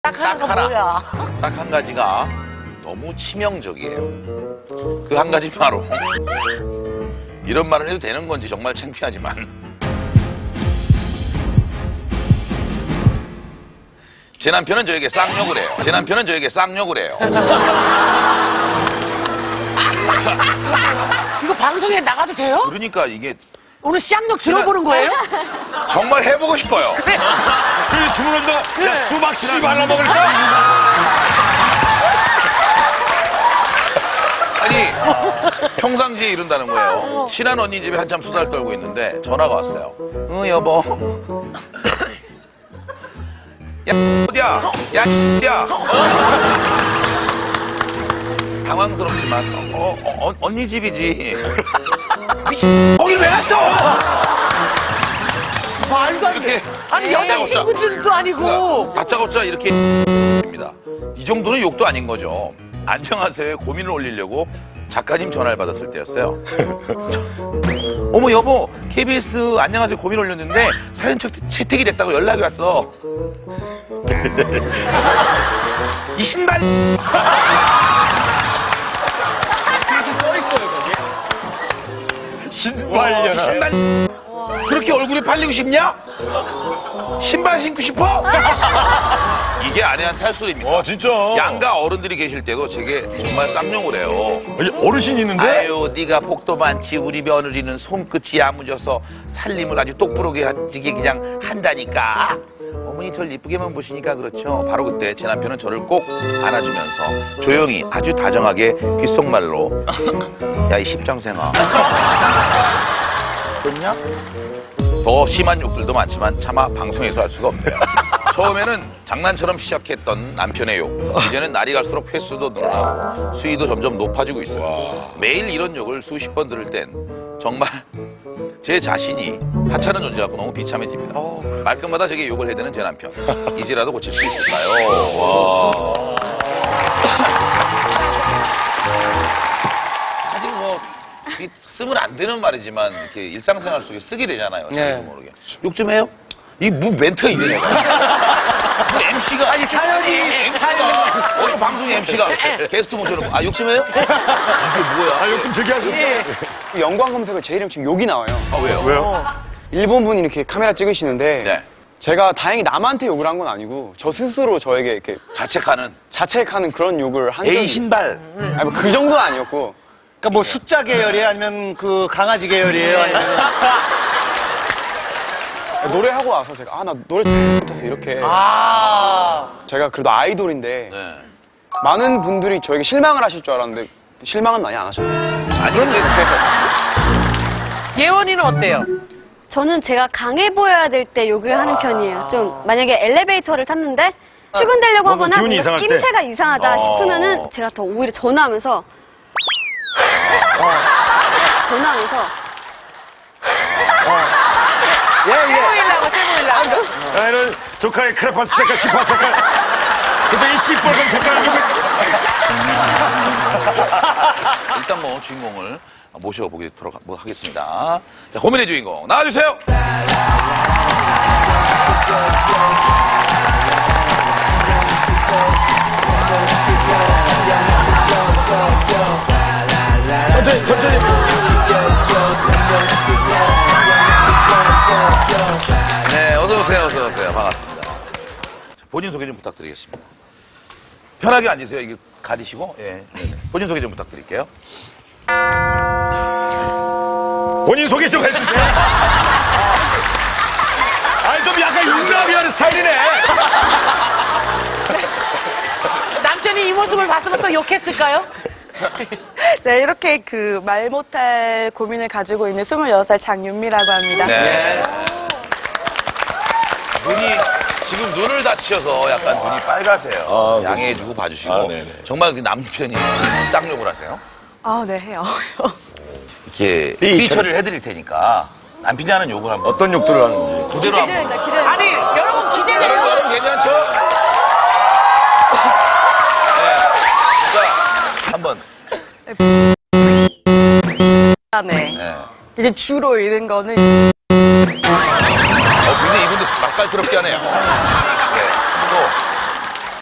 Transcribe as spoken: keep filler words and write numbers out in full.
딱 하나, 뭐야? 딱 한 가지가 너무 치명적이에요. 그 한 가지 바로 이런 말을 해도 되는 건지 정말 창피하지만 제 남편은 저에게 쌍욕을 해요. 제 남편은 저에게 쌍욕을 해요. 이거 방송에 나가도 돼요? 그러니까 이게 오늘 쌍욕 들어보는 거예요? 정말 해보고 싶어요. 그래. 그 주문한다. 그래. 수박 씨 발라 먹을까? 아니 평상시에 이런다는 거예요. 친한 언니 집에 한참 수다를 떨고 있는데 전화가 왔어요. 응 여보. 야 어디야? 야 어디야? 당황스럽지만 어, 어, 어, 언니 집이지. 미친 거길 왜 갔어? 말도 안 돼. 아니 여자친구들도 아니고. 다짜고짜 이렇게 입니다. 이 정도는 욕도 아닌 거죠. 안녕하세요 고민을 올리려고 작가님 전화를 받았을 때였어요. 어머 여보 케이비에스 안녕하세요 고민 올렸는데 사연 채, 채택이 됐다고 연락이 왔어. 이 신발 신발 신발 그렇게 얼굴이 팔리고 싶냐? 신발 신고 싶어? 이게 아내한테 할 소리입니다. 어, 진짜. 양가 어른들이 계실 때도 제게 정말 쌍욕을 해요. 어르신이 있는데? 아유, 네가 복도 많지. 우리 며느리는 손끝이 야무져서 살림을 아주 똑부러게 하지게 그냥 한다니까. 어머니 절 이쁘게만 보시니까 그렇죠. 바로 그때 제 남편은 저를 꼭 안아주면서 조용히 아주 다정하게 귓속말로 야, 이 십장생아. 그렇냐? 더 심한 욕들도 많지만 차마 방송에서 할 수가 없네요. 처음에는 장난처럼 시작했던 남편의 욕. 이제는 날이 갈수록 횟수도 늘어나고 수위도 점점 높아지고 있어요. 와. 매일 이런 욕을 수십 번 들을 땐 정말 제 자신이 하찮은 존재 같고 너무 비참해집니다. 어. 말끝마다 제게 욕을 해대는 제 남편. 이제라도 고칠 수 있을까요? 와. 사실 뭐 쓰면 안 되는 말이지만 이렇게 일상생활 속에 쓰게 되잖아요. 네. 모르게. 욕 좀 해요? 이 뭐 멘트가 이래. 엠씨가 아니 사연이 엠씨가 어느 방송의 엠씨가 게스트 모셔놓고 아 욕 좀 해요? 이게 뭐야? 아, 욕 좀 되게 하셨네. 예. 연관 검색어 제 이름 지금 욕이 나와요. 아 왜요? 왜요? 일본 분이 이렇게 카메라 찍으시는데 네. 제가 다행히 남한테 욕을 한 건 아니고 저 스스로 저에게 이렇게 자책하는 자책하는 그런 욕을 한 적이 에이 신발. 아니 뭐 그 정도는 아니었고 그러니까 뭐 숫자 계열이에요? 아니면 그 강아지 계열이에요? 아니면 노래하고 와서 제가 아 나 노래 못해서 이렇게 아. 제가 그래도 아이돌인데 네. 많은 분들이 저에게 실망을 하실 줄 알았는데 실망은 많이 안 하셨어요. 아니 그런데 예원이는 어때요? 저는 제가 강해 보여야 될 때 욕을 하는 편이에요. 좀 만약에 엘리베이터를 탔는데 출근되려고 뭔가 하거나 기운이 뭔가 이상할 때? 낌새가 이상하다 어. 싶으면은 제가 더 오히려 전화하면서 전화하면서 예, 예. 최고일라고 최고일라고. 나는 조카의 크레파스 색깔, 키파 색깔. 근데 이 시뻘건 색깔. 일단 뭐 주인공을 모셔보도록 뭐 하겠습니다. 자 고민의 주인공 나와주세요. 천천히, 천천히. 네, 어서오세요, 어서오세요. 반갑습니다. 본인 소개 좀 부탁드리겠습니다. 편하게 앉으세요. 이거 가리시고, 예. 네네. 본인 소개 좀 부탁드릴게요. 본인 소개 좀 해주세요. 아니, 좀 약간 용감히 하는 스타일이네. 남편이 이 모습을 봤으면 또 욕했을까요? 네, 이렇게 그 말 못할 고민을 가지고 있는 스물여섯 살 장윤미라고 합니다. 네. 눈이, 지금 눈을 다치셔서 약간 눈이 빨가세요. 아, 양해해주고 봐주시고. 아, 네네. 정말 그 남편이 쌍욕을 하세요? 아, 네, 해요. 이렇게 삐 삐 처리를 해드릴 테니까 남편이 하는 욕을 한번. 어떤 욕들을 하는지. 그대로 한번. 기대된다, 기대된다. 아니 여러분 여러분, 기대돼요. 여러분 괜찮죠? 네. 자, 한번. 네. 네. 이제 주로 읽는 거는 어, 근데 이분도 맛깔스럽게 하네요.